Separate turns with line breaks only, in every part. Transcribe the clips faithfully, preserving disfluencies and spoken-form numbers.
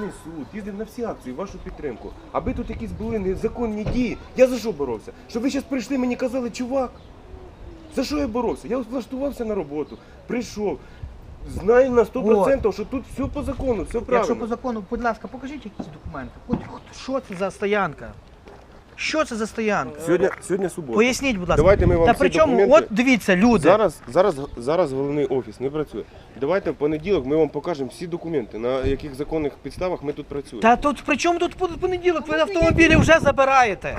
Верховний суд, їздив на всі акції, в вашу підтримку. Аби тут якісь були незаконні дії, я за що боровся? Щоб ви зараз прийшли мені казали, чувак, за що я боровся? Я влаштувався на роботу, прийшов. Знаю на сто відсотків, що тут все по закону, все правильно.
Якщо по закону, будь ласка, покажіть якісь документи. От що це за стоянка? Що це за стоянка?
Сьогодні, сьогодні субота.
Поясніть, будь ласка.
Давайте ми вам
Та
всі
причому,
документи...
от дивіться, люди.
Зараз, зараз, зараз головний офіс не працює. Давайте в понеділок ми вам покажемо всі документи, на яких законних підставах ми тут працюємо.
Та тут при чому тут понеділок? Ви автомобілі вже забираєте.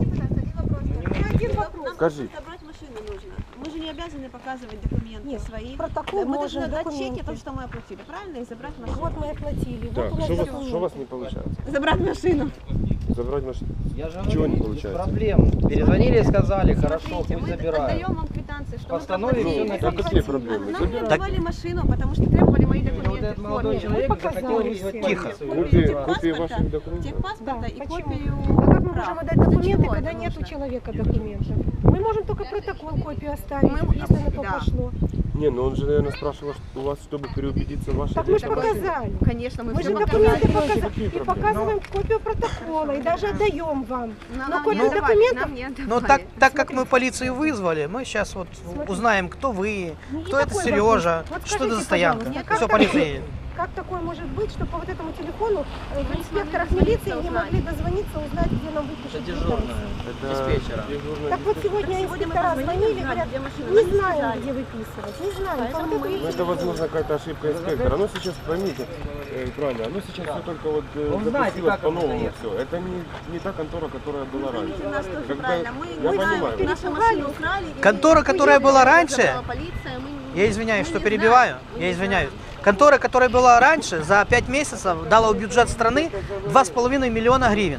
Один вопрос.
Скажи.
Собрать машину нужно. Мы же не обязаны показывать документы
Нет,
свои.
протокол
Мы
можем,
должны дать
документы.
чеки, то, что мы оплатили, правильно? И забрать машину.
Вот мы оплатили.
Так,
вот у нас
що у вас,
документы.
що у вас не виходить?
Забрать машину.
Забрати машину?
Я же
Чего
говорю,
не
без
получается?
проблем. Перезвонили и сказали, хорошо,
Смотрите,
пусть
мы
забирают.
отдаем вам квитанции, что
Постановили,
мы
всё
проплатили.
на
А какие проблемы?
Нам не
Так-
отдавали машину, потому что требовали мои
Вот
документы
этот
в
молодой
форме.
человек
показали
захотел
все.
вызвать
Тихо.
полицию.
Копии,
Техпаспорта,
копии ваших документов.
Техпаспорта
Да,
и
почему?
копию
А как мы
прав.
можем отдать
Для
документы,
чего
когда
это
нет у
нужно?
человека документов? Мы можем только протокол копию оставить,
Мы-
если на то
да.
пошло.
Не, ну он же, наверное, спрашивал у вас, чтобы переубедиться в вашей
Так мы же
деятельности.
показали.
Конечно, мы,
Мы
все
же
показали.
документы
Какие
показали. И
проблемы?
показываем копию протокола, и даже отдаем вам.
Но
Но
нам
копию
не отдавали,
документов
нам не отдавали.
Ну так, так как мы полицию вызвали, мы сейчас вот
Смотрите.
узнаем, кто вы,
Ну,
кто это
такой
Сережа,
вопрос. Вот
что это
скажите,
за стоянка.
пожалуйста, как
Все,
так-
полиция едет.
Как такое может быть, что по вот этому телефону э, в
Мы не
инспекторах
смогли
милиции не
узнать.
могли дозвониться, узнать, где нам
Это
выпишут
дежурная,
Это
диспетчера.
дежурная
Так вот сегодня
Сегодня мы
инспектора
позвонили,
звонили,
узнали,
говорят,
где машина.
не
Нам не
знаем,
сказали.
где выписывать, не знаем.
Поэтому
По вот
мы-
этому
Ну, это, возможно, какая-то ошибка инспектора. Оно сейчас, поймите, э, правильно, оно сейчас все только вот э,
Он знает,
запустилось
как оно
по-новому
стоит.
все. Это не, не та контора, которая была раньше.
У нас тоже
Как бы,
правильно. Мы
я
не знаем,
понимаю.
нашу машину украли. и
Контора,
мы
которая
уехали,
была
забрала
раньше,
полиция, мы не-
Я извиняюсь,
мы
что
не
перебиваю,
знаем, мы
я
не
извиняюсь.
знаем.
Контора, которая была раньше, за пять месяцев дала в бюджет страны два с половиной миллиона гривен,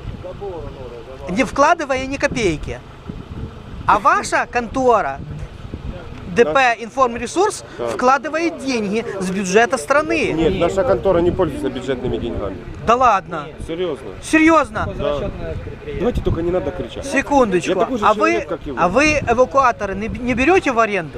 не вкладывая ни копейки. А ваша контора, ДП «Информресурс»,
Да.
вкладывает деньги с бюджета страны.
Нет, наша контора не пользуется бюджетными деньгами.
Да ладно?
Серьезно.
Серьезно?
Да. Давайте только не надо кричать.
Секундочку.
Я такой же
А
человек,
вы,
как и вы.
а вы эвакуаторы не не берете в аренду?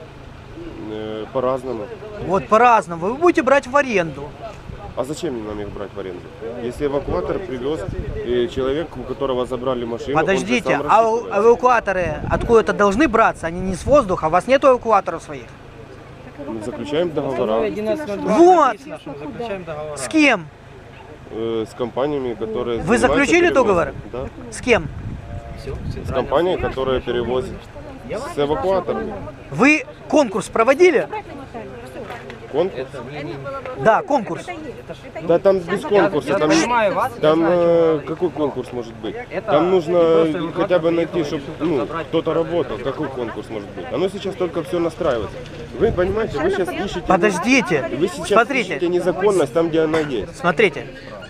Э, По-разному.
Вот по-разному. Вы будете брать в аренду.
А зачем нам их брать в аренду? Если эвакуатор привез э, человек, у которого забрали машину, он же
Подождите,
сам
а у-
рассчитывается.
эвакуаторы откуда-то должны браться? Они не с воздуха, у вас нет эвакуаторов своих?
Мы заключаем договора
одиннадцать ноль два
Вот.
написано, что мы заключаем договора.
С кем?
э, с компаниями, которые...
Вы
занимаются
заключили
перевозом.
договор?
Да.
С кем?
С компанией, которая перевозит. С эвакуаторами.
Вы конкурс проводили?
Конкурс?
Да, конкурс.
Да там без конкурса.
Я
Там,
понимаю вас, я
там
знаю,
э,
чем
какой конкурс может быть?
Это
Там нужно
просто эвакуатор
хотя бы найти,
приходит,
чтобы
там
ну,
забрать
кто-то
человека.
работал. Какой конкурс может быть? Оно сейчас только все настраивается. Вы понимаете, вы сейчас ищете...
Подождите.
Вы сейчас
Смотрите.
ищете незаконность там, где она есть.
Смотрите.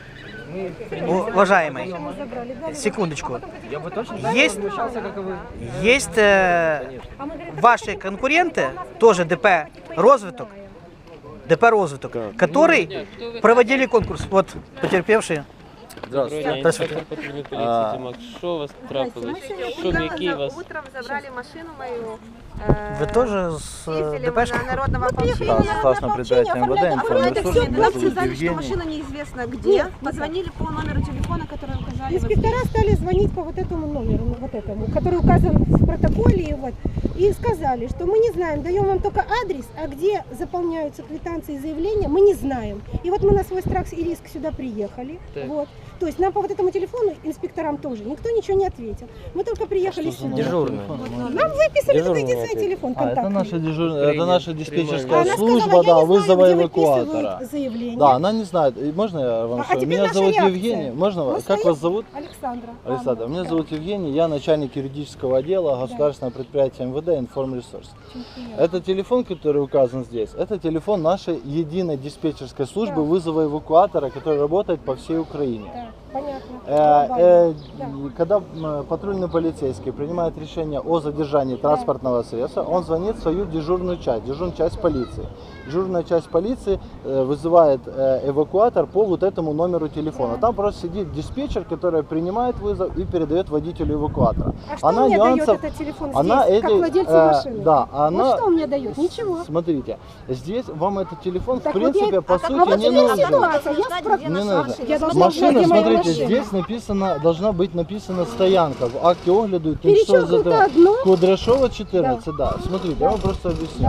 Уважаемый, секундочку.
Я бы точно
Есть,
возмущался, как и вы.
есть э, ваши конкуренты, тоже ДП «Розвиток», ДП «Розвиток», который проводили конкурс. Вот, потерпевшие.
Здравствуйте.
Здравствуйте.
Патрульної поліції Тимак. Що у вас трапилось? Що,
Утром,
який у вас?
утром забрали машину мою. э,
Вы тоже с э,
Ездили мы на
ДПшкой?
народного ополчения.
Да,
согласно предприятию МВД,
Оформляли
информационный
документы,
суд,
нам
меня зовут
сказали, что
Евгений.
машина неизвестно где. Позвонили по номеру телефона, который указали. в
Инспектора стали звонить по вот этому номеру, ну, вот этому, который указан в протоколе, и вот, и сказали, что мы не знаем, даем вам только адрес, а где заполняются квитанции и заявления, мы не знаем. И вот мы на свой страх и риск сюда приехали,
Так.
вот. То есть нам по вот этому телефону, инспекторам тоже, никто ничего не ответил. Мы только приехали сюда.
Дежурная.
Нам выписали только
Дежурный
единственный
ответ.
телефон
А, это
контактный.
наша, дежур... это наша диспетчерская
Она
служба,
сказала,
да,
я не знаю,
вызова
где
эвакуатора.
выписывают заявление.
Да, она не знает. И можно я вам
А
скажу?
теперь
Меня
наша
зовут
реакция.
Евгений. Можно?
Мы
Как
стоим-
вас зовут?
Александра.
Александр,
Анна.
меня
Да.
зовут Евгений, я начальник юридического отдела государственного предприятия МВД «Информресурс».
Очень приятно.
Это телефон, который указан здесь, это телефон нашей единой диспетчерской службы
Да.
вызова эвакуатора, который работает по всей Украине.
Да. Понятно.
Э, э,
Да.
Когда м, патрульный полицейский принимает решение о задержании транспортного средства, он звонит в свою дежурную часть, дежурную часть полиции. Дежурная часть полиции э, вызывает э, эвакуатор по вот этому номеру телефона. Там просто сидит диспетчер, который принимает вызов и передает водителю эвакуатора.
А что мне дает этот телефон здесь,
она
как
эти,
владельцу
э,
машины?
Да, она.
Вот что он мне дает? Ничего.
Смотрите, здесь вам этот телефон
Так
в
вот
принципе
я-
по
а
сути
вот
не
теперь
нужен.
ситуация. Я спро-
Не нужно.
Я должна
Машина,
знать, где моя
смотрите,
машина.
здесь написано, должна быть написана стоянка. В акте огляду
Перечеркнуто одно.
Кудряшова четырнадцать, да. Смотрите, я вам просто объясню.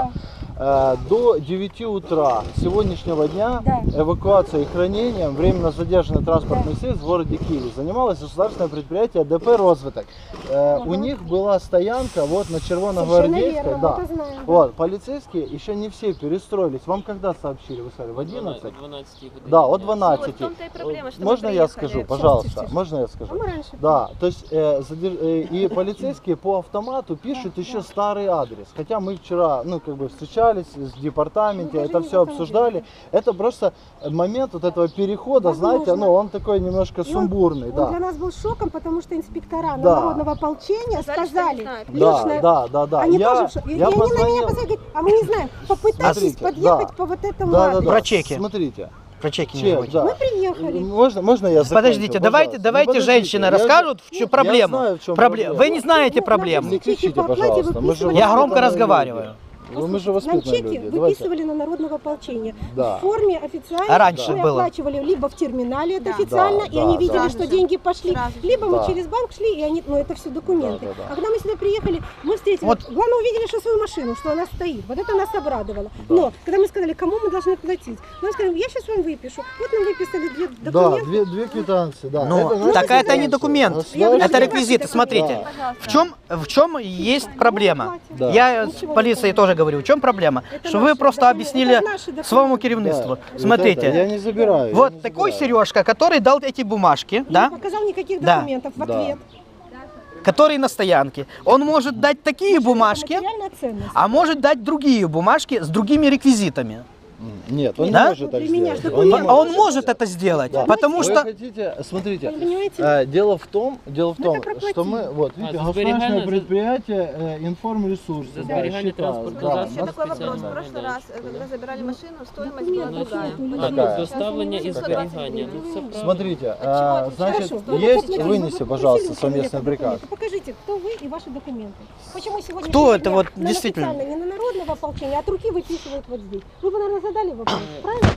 Э, До девяти утра сегодняшнего дня
Да.
эвакуацией и хранением временно задержанных транспортных средств в городе Киеве занималось государственное предприятие ДП «Розвиток». Э, У них была стоянка вот на Червоногвардейской.
Совершенно верно,
Да.
мы это знаем.
Вот, полицейские еще не все перестроились. Вам когда сообщили? Вы сказали, в одиннадцать?
дванадцать годин.
Да, от
Вот
дванадцати.
в том-то и проблема, что мы
Можно я
приехали.
скажу,
Сейчас,
пожалуйста?
тише, тише.
Можно я
А
скажу?
мы раньше.
Да, то есть э, задерж- э, и полицейские по автомату пишут еще старый адрес. Хотя мы вчера, ну, как бы встречались в департаменте,
Ну, даже
это
не
все
в этом
обсуждали.
дело.
Это просто момент вот этого перехода, знаете,
Возможно.
ну, он такой немножко
И он-
сумбурный,
Он
да.
для нас был шоком, потому что инспектора
Да.
народного ополчения
Сказали, что не
сказали,
знают.
Да,
лично,
да, да, да.
они
я,
тоже в шоке. И
я
они на меня
позвонил.
позвонили, говорят, а мы не знаем, попытайтесь
Смотрите,
подъехать
да.
по вот этому
Да, да,
адресу.
да.
Про чеки.
Смотрите.
Про чеки не
Чек,
забудьте.
да.
Мы приехали.
Можно, можно я закончу,
Подождите, давайте,
пожалуйста?
давайте
Ну, подождите,
женщины
я-
расскажут, в
я
чем проблема.
знаю, в чем
Пробле-
проблема.
Вы не знаете
Ну,
проблему.
Не кричите,
Чеки по оплате
пожалуйста. Мы же
выписывали.
Я громко
воспитанные
разговариваю.
люди. Вы- Мы же
Нам
воспитанные
чеки
люди. Давайте.
выписывали на народного ополчения
Да.
в форме официальной.
А раньше
мы
было?
оплачивали либо в терминале, это
Да.
официально,
Да,
и они
да,
видели,
да.
что деньги пошли,
Сразу же.
либо мы
Да.
через банк шли, и они, ну это все документы.
Да, да, да.
А когда мы сюда приехали, мы встретили,
Вот.
главное увидели, что свою машину, что она стоит. Вот это нас обрадовало. Но когда мы сказали, кому мы должны платить, мы сказали, я сейчас вам выпишу. Вот нам выписали две
Да,
документы.
две, две квитанции, да.
Но
Это наши
так это
квитанции.
не документ,
Государственные-
это реквизиты. Смотрите,
Да.
в чем, в чем есть проблема?
Да.
Я
Ничего
с
не
полицией
понимаю.
тоже говорю, в чем проблема?
Это
Что вы
наши
просто
документы,
объяснили
это наши документы.
своему керівництву.
Да. Вот
Смотрите,
это я не забираю. я
вот
не
такой
забираю.
Сережка, который дал эти бумажки,
И не
да,
показал никаких
Да.
документов в
Да.
ответ.
который на стоянке, он может дать такие бумажки,
Материальная ценность.
а может дать другие бумажки с другими реквизитами.
М, Нет, он
Да?
не может так
Для меня
сделать.
ж
Он
документ.
не
А он
может.
может это сделать,
Да.
потому
Вы
что...
хотите, смотрите,
Вы понимаете?
э, дело в том, дело в
Мы
том,
это проплатили.
что мы, вот, видите,
за
государственное
сберегание-
предприятие э, информресурсы.
За
да,
сберегание
считают,
транспортного
да,
засобу.
нас
Такой вопрос. В
специально,
прошлый
да.
раз, э, когда забирали машину, стоимость
Документы
была другая.
абсолютно
А,
Какая?
ну, доставлення і зберігання. Ну, це правда.
Смотрите,
чего
э,
отличается?
значит,
Хорошо.
Ну,
есть,
вот,
вынеси,
вот,
пожалуйста,
просили
совместный
человека
приказ.
документы. Покажите, кто вы и ваши документы. Почему сегодня
Кто это вот
на
действительно?
официально, не на народного ополчения, а от руки выписывают вот здесь? Вы бы, наверное, задали вопрос, правильно?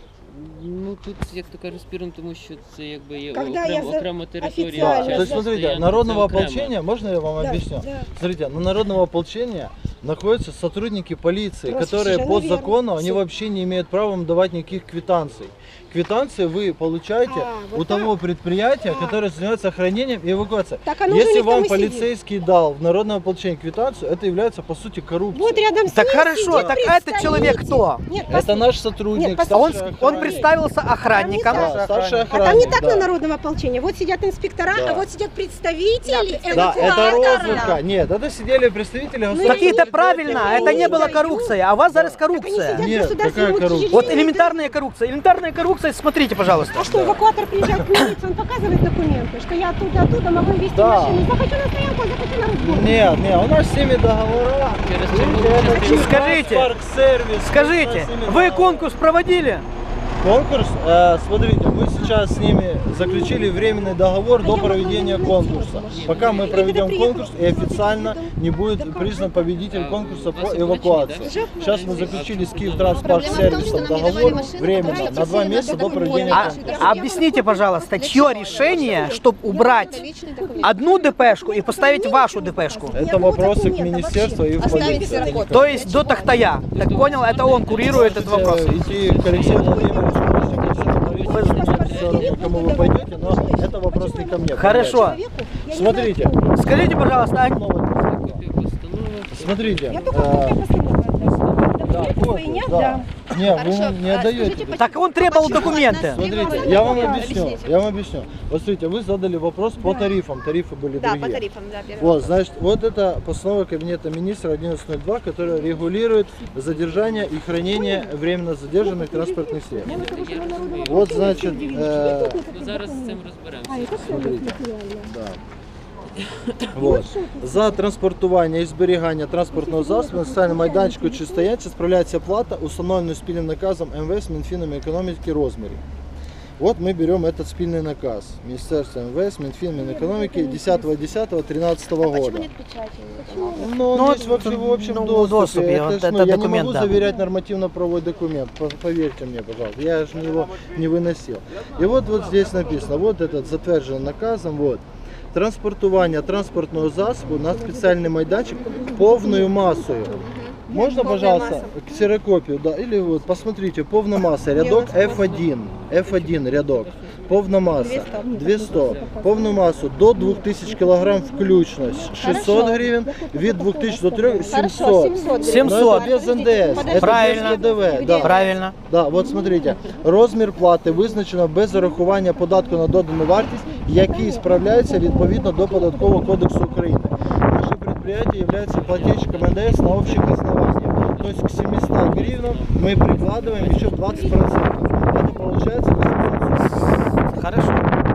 Ну тут, як то кажуть, спірно, тому що це якби є
Когда я
окрема,
за-
окрема територія.
офіціально
Да,
Правильно,
то есть,
частна
смотрите,
стоянка,
народного
це окремо.
ополчения, можно я вам
Да,
объясню?
да.
Смотрите, на народного ополчения находятся сотрудники полиции,
Просто
которые
совершенно
по
верно.
закону, они
Всё.
вообще не имеют права вам давать никаких квитанций. Квитанции вы получаете
А, вот
у того предприятия,
А.
которое занимается хранением и эвакуацией.
Так оно же у
Если
них там
вам
и сидит.
полицейский дал в народное ополчение квитанцию, это является по сути коррупцией.
Вот рядом с
Так
ним
хорошо,
сидит
так этот человек
представитель.
кто?
Нет,
Это наш сотрудник,
Нет,
Он,
старший
он
охранник.
представился охранником.
Там не
Да, старший
А
охранник.
там не так
да.
на народном ополчении. Вот сидят инспектора,
Да.
а вот сидят представители
Да, это
эвакуатора.
розвідка. Нет, это сидели представители
Ну,
государственного
Так это
предприятия.
правильно, это не была коррупция, а у вас зараз
Так они
коррупция.
сидят в
Нет,
государственном
какая коррупция?
Вот
учреждении.
элементарная коррупция. Элементарная коррупция, смотрите, пожалуйста.
А что, эвакуатор приезжает к милиции, он показывает документы, что я оттуда, оттуда могу везти
Да.
машину. Захочу на стоянку, захочу на разбор.
Нет, нет, у нас с ними договора.
Через
Видите,
чергову
это
частину.
Скажите,
Парк-сервис.
Скажите,
У нас с ними
вы
договора.
конкурс проводили?
Конкурс, э, смотрите, мы сейчас с ними заключили временный договор до проведения конкурса. Пока мы проведем конкурс и официально не будет признан победитель конкурса по эвакуации. Сейчас мы заключили с Киевтранспарт-сервисом договор временно на два месяца до проведения
А,
конкурса.
объясните, пожалуйста, чье решение, чтобы убрать одну ДПшку и поставить вашу ДПшку?
Это вопросы к министерству и в полицию.
То есть до Тахтая. Так понял, это он курирует этот вопрос.
Идти к Алексею Владимировичу, все равно, кому вы пойдете, но это вопрос не ко мне.
Хорошо.
Я не
Смотрите.
знаю, кто.
Скажите, пожалуйста, а
Копію постанови.
Смотрите.
Я только
э,
копию постановы отдам. копию не
Да.
отдам.
Не,
Хорошо,
вы не
а
отдаете.
скажите, почему-
Так он требовал
почему
документы.
одна фирма
Смотрите, я вам
выдала?
объясню,
Объясните.
я вам объясню. Вот смотрите, вы задали вопрос по тарифам, тарифы были
Да,
другие.
по тарифам, да, первый
Вот,
вопрос.
значит, вот это постанова Кабинета министра одиннадцать ноль два, которая регулирует задержание и хранение временно задержанных транспортных средств. Вот, значит, э,
Ну, зараз з цим розберемося.
А, это ценность материальная.
да. Вот. За транспортування і зберігання транспортного засобу на соціальному майданчику чи стоянці справляється плата, установленою спільним наказом М В С, Мінфіном економіки розмірів. Вот мы берем этот спільний наказ Министерства М В С, Минфин, Минэкономики десятого десятого тринадцатого
Почему
года.
нет печати?
Ну, он
Ну,
есть вообще в общем
ну, в
доступе.
доступе,
Это
вот
ж, ну,
это
я
документ,
не могу
да.
заверять нормативно-правовой документ, по- поверьте мне, пожалуйста. Я же его не выносил. И вот, вот здесь написано, вот этот затвердженный наказом, вот. Транспортування транспортного засобу на спеціальний майданчик повною масою. Можно,
Полная
пожалуйста,
масса.
ксерокопию, да, или вот, посмотрите, полная масса, рядок F один, F один рядок, полная масса, двести, полную массу до двух тысяч килограмм включно, шестьсот гривен, вид двух тысяч до трёх,
Хорошо,
семьсот.
семьсот.
семьсот.
Но это без Н Д С, это
Правильно.
без П Д В, да.
Правильно.
Да, от смотрите, розмір плати визначено без зарахування податку на додану вартість, який справляється відповідно до Податкового кодексу України. Наше предприятие является плательщиком Н Д С на общих основаниях. То есть к семистам гривнам мы прикладываем еще двадцать процентов. Это получается восемьсот.
Хорошо.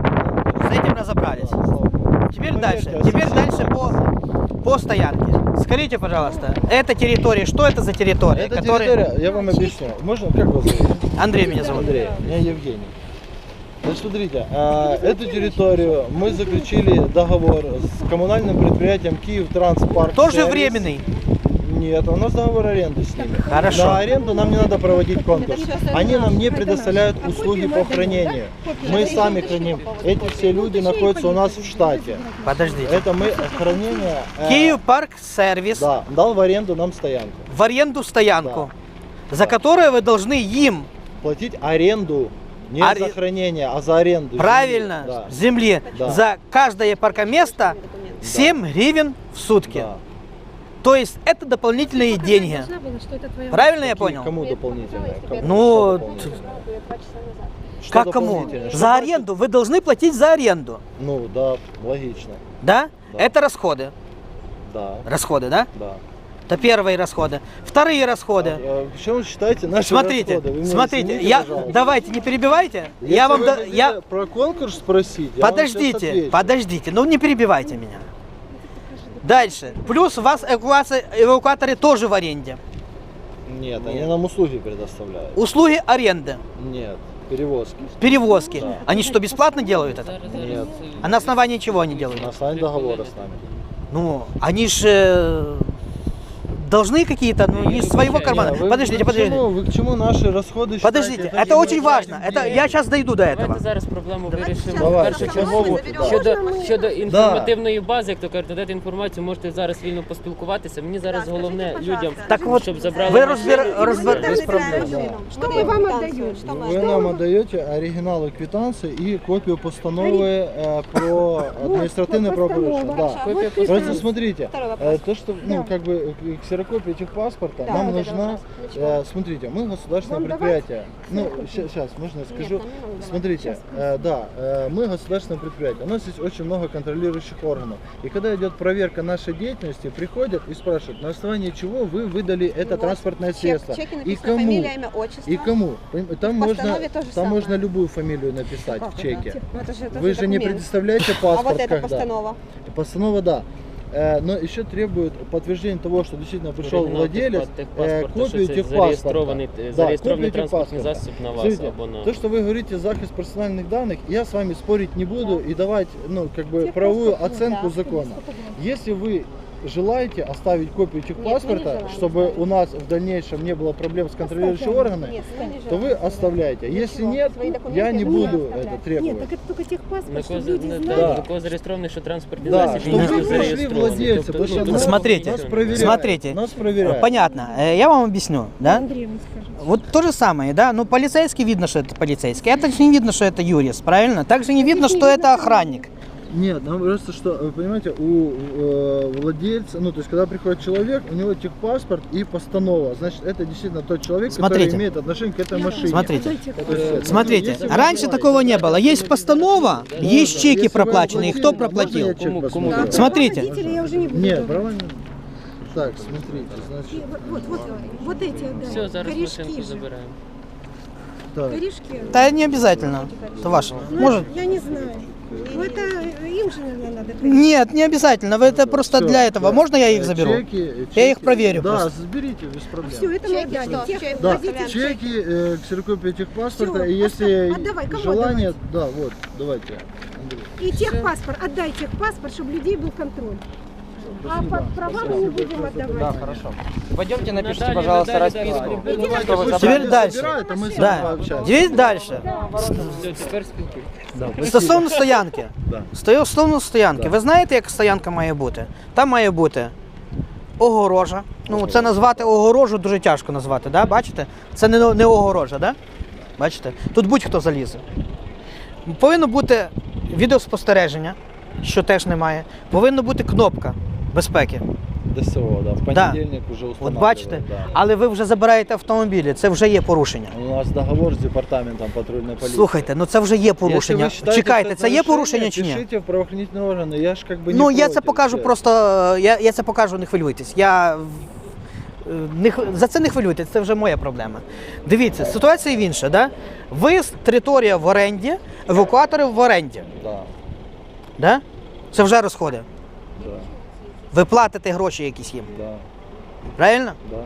С этим разобрались. Теперь дальше. Теперь дальше по, по стоянке. Скажите, пожалуйста, эта территория, что это за территория?
Это
которая-
территория, я вам объясню. Можно, как вас зовут?
Андрей меня зовут.
Андрей, меня Евгений. Значит, смотрите, а, эту территорию мы заключили договор с коммунальным предприятием Киевтранспарк.
Тоже
Сервис.
временный.
Нет, у нас договор аренды с ними.
Хорошо.
На аренду нам не надо проводить конкурс. Они нам не предоставляют услуги по хранению. Мы сами храним. Эти все люди находятся у нас в штате.
Подождите.
Это мы хранение... э,
Киев Парк Сервис
Да, дал в аренду нам стоянку.
в аренду стоянку, за которую вы должны им,
Платить аренду. Не
Аре-
за хранение, а за аренду.
правильно,
Да.
земли,
Да.
за каждое паркоместо семь гривен в сутки.
Да.
То есть это дополнительные деньги. Правильно я понял?
Кому дополнительное? Кому?
Ну,
Что дополнительное? Что
как кому?
дополнительное? Что
За
платит?
аренду. Вы должны платить за аренду.
Ну, да, логично.
Да?
Да.
Это расходы.
Да,
Расходы, да?
да.
Это первые расходы. Вторые расходы.
А, а почему вы считаете наши
Смотрите,
расходы? Вы меня
смотрите,
извините,
я,
пожалуйста.
давайте не перебивайте.
Если
я вам,
вы
да-
хотите
я,
про конкурс спросить, я вам сейчас
подождите,
отвечу.
подождите, ну не перебивайте меня. Дальше. Плюс у вас эвакуация- эвакуаторы тоже в аренде.
Нет, они нам услуги предоставляют.
Услуги аренды,
Нет, перевозки.
перевозки.
Да.
Они что, бесплатно делают это?
Зараз,
Нет.
зараз.
А на основании чего они делают?
На основании договора с нами.
Ну, они же должны какие-то, ну, не из своего кармана.
Не, вы-
Подождите,
вы к чему-
подождите.
Вы к чему наши расходы
Подождите,
считаете
это
такими
очень важно.
большими
Это, я сейчас дойду до этого.
Давайте зараз проблему вирішимо.
Давай,
Першочергово
да.
щодо, щодо інформативної бази, як то кажуть, надати інформацію, можете зараз вільно поспілкуватися. Мені зараз головне людям,
Так от,
щоб забрали
ви
машину
розбер-
і
розбер-
все.
без проблем.
Что мы вам отдаем?
Вы нам отдаете оригиналы квитанции и копию постановы э, про административное правопорушение. Да.
Копія
Просто
постанови.
смотрите,
Второй вопрос.
э, то, что, ну, как бы э, ксерокопия техпаспорта
Да,
нам
вот это
нужна,
вопрос. Начала.
э, смотрите, мы государственное
Вам
предприятие. Ну, сейчас, можно я скажу.
Нет, там не надо.
Смотрите, э, да, э, мы государственное предприятие. У нас есть очень много контролирующих органов. И когда идет проверка нашей деятельности, приходят и спрашивают, на основании чего вы выдали это
Вот,
транспортное
чек-
средство.
чеки
И
написано
кому?
фамилия, имя, отчество.
И кому? Поним- Там
В
можно,
постанове то же
там
самое.
можно любую фамилию написать в чеке.
Ну, это же тоже
Вы же не
документ.
предоставляете
А
паспорт,
вот эта
когда?
постанова.
Постанова, да. Э, Но еще требует подтверждения того, что действительно пришел
Оригінал
владелец,
техпа-
э,
техпаспорта,
копию
що це
техпаспорта.
зареєстрований,
Да,
зареєстрований
копию
транспортний
техпаспорта.
засіб на вас
Смотрите,
або на...
то, что вы говорите захист персональных данных, я с вами спорить не буду и давать, ну, как бы правовую оценку
да.
закона. Если вы желаете оставить копию техпаспорта,
желаем.
чтобы у нас в дальнейшем не было проблем с контролирующими органами,
Нет, конечно.
то вы оставляете. Если нет,
Свои документы
я не
мы
буду
оставляем.
это
Нет,
требовать.
так это только
На
техпаспорт,
кого,
чтобы люди
на,
знали.
да,
Да.
на кого зареєстрований, що транспортний
Да,
засіб
чтобы
не
вы пришли
зареєстрований.
владельцы,
Тобто,
потому что
ну,
нас-
Смотрите,
нас проверяют.
смотрите.
Нас проверяют.
Понятно. Э, Я вам объясню, да?
Андрей вам скажет.
Вот то же самое, да? Ну, полицейский видно, что это полицейский. Это же не видно, что это юрист, правильно? Также не видно, что это охранник.
Нет, ну просто что, вы понимаете, у э, владельца, ну то есть когда приходит человек, у него техпаспорт и постанова, значит это действительно тот человек,
Смотрите.
который имеет отношение к этой машине.
Смотрите.
То есть,
Смотрите,
если вы
раньше
желаете-
такого не было. Есть постанова, есть чеки
Если вы
проплаченные.
оплатили,
Кто
можно
проплатил?
я чек
Кому-
посмотрю?
кому?
Смотрите.
Водителя я уже не буду.
Нет,
давать.
права не- Так, смотрите,
И
значит,
Вот, вот, вот, вот эти отдай.
Все, зараз
Корешки
машинку
же.
забираємо.
так.
Корешки.
Да не обязательно. Это ваше.
Ну,
Может?
Я не знаю. Ну, это им же, наверное, надо.
Нет, не обязательно. Вы это просто
Всё,
для этого.
да.
Можно я их
Э,
заберу?
Чеки,
Я их
чеки-
проверю
Да,
просто.
заберите, без проблем.
Все, это мы отдали. Тех-
Да,
водитель-
чеки, э, ксерокопия техпаспорта,
Всё,
и если
оставь, отдавай, кому
желание, да, вот, давайте, Андрей.
И техпаспорт, отдай техпаспорт, чтобы у людей был контроль. А
Спасибо.
по- права мы не будем отдавать.
Да, хорошо. Пойдемте, напишите,
Надали,
пожалуйста,
надали,
расписку,
дали.
что вы
Пусть
Теперь
забрали.
они
дальше.
забирают, а мы с вами
Да.
пообщаемся.
Дивись дальше.
Все, тепер спілкуйтесь.
Стосовно стоянки.
Да.
Стою- Стосовно стоянки.
Да.
Ви знаєте, як стоянка має бути? Там має бути огорожа. Ну, це назвати огорожу дуже тяжко назвати, да? Бачите? Це не, не огорожа, да? Бачите? Тут будь-хто залізе. Повинно бути відеоспостереження, що теж немає. Повинна бути кнопка безпеки.
ДСО, да, в
Да.
понедельник уже
От
устанавливают.
бачите?
Да.
Але ви вже забираєте автомобілі, це вже є порушення.
У нас договор с департаментом патрульной полиции.
Слухайте, ну це вже є порушення.
Если вы считаете,
Чекайте,
что
це є
нарушение,
порушення чи ні?
Пишите в правоохранительные органы, я ж как бы не
Ну, я це
против,
покажу
честно.
просто, я, я це покажу, не хвилюйтесь. Я е, не, х- за це не хвилюйтесь, це вже моя проблема. Дивіться, ситуація в інша, да? Виїзд, територія в оренді, евакуатори в оренді.
Да,
Да? Це вже розходи.
да,
Ви платите гроші якісь їм.
да,
Правильно?
да.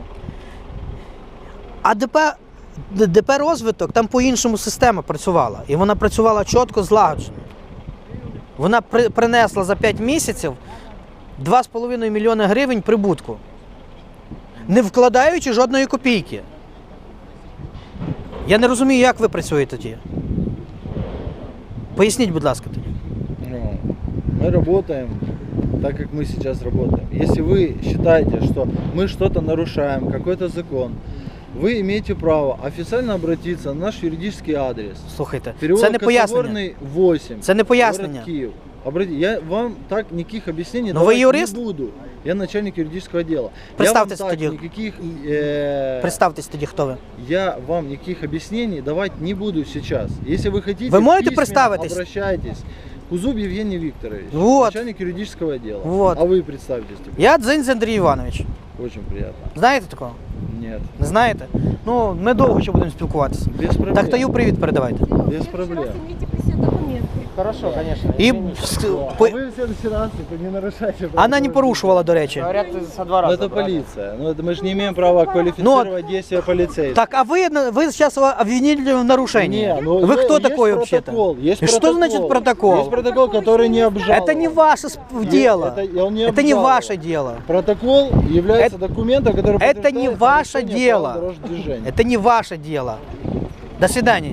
А ДП, Д- ДП розвиток, там по-іншому система працювала. І вона працювала чітко, злагоджено. Вона при, принесла за п'ять місяців два з половиною мільйони гривень прибутку, не вкладаючи жодної копійки. Я не розумію, як ви працюєте тоді. Поясніть, будь ласка, тоді.
Ну, мы работаем так, как мы сейчас работаем. Если вы считаете, что мы что-то нарушаем, какой-то закон, вы имеете право официально обратиться на наш юридический адрес.
Слухайте,
Переулок
це не пояснення.
Косогорный, восемь.
Це не пояснення.
Город Киев. Обрати- я вам так никаких объяснений
Но вы
давать
юрист?
не буду. Я начальник юридического отдела.
Представьтесь
я вам так
тоді.
никаких, э,
Представтесь тоді, хто ви.
я вам никаких объяснений давать не буду сейчас. Если вы хотите,
Вы можете
письменно
представитесь?
обращайтесь. Кузуб Евгений Викторович,
Вот.
начальник юридического отдела.
Вот.
А вы представьтесь теперь.
Я Дзинь Андрій Іванович.
Очень приятно.
Знаєте такого?
Нет,
Не знаєте? Ну, ми довго ще будемо спілкуватися.
без проблем.
Так Таю привіт передавайте.
Без проблем.
Имейте при себе документы.
Хорошо, конечно.
І
извините.
ск-
А
по-
вы в следующий раз типа, не нарушайте.
вона не порушувала, до речі.
Говорят, со двора
Ну, это
забрали.
полиция. Ну, это мы же не имеем права квалифицировать действия полицейских.
Так, а ви, ви зараз обвинили в нарушении.
Не, ну,
Вы
е-
кто
есть
такой вообще-то?
протокол, есть
И что
протокол.
значит протокол?
Есть протокол, который не обжалован.
Это не ваше сп- дело.
Это, он не
Это не
обжалован.
ваше дело.
Протокол является
Это-
документом, который
это не
подтверждает
ваше
нарушение
дело.
правил дорожного движения.
Это не ваше дело. До свидания.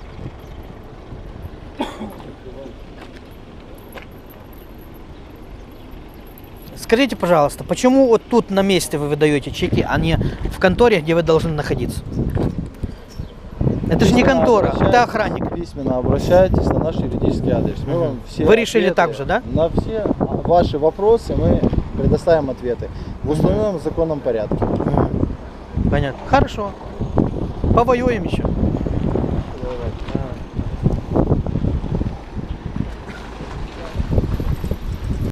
Скажите, пожалуйста, почему вот тут на месте вы выдаете чеки, а не в конторе, где вы должны находиться? Это же не контора, это
Обращайтесь,
охранник.
Письменно обращайтесь на наш юридический адрес. Мы вам все
Вы решили
ответы
так же, да?
На все ваши вопросы мы предоставим ответы в установленном законном порядке.
Понятно. Хорошо. Повоюем еще.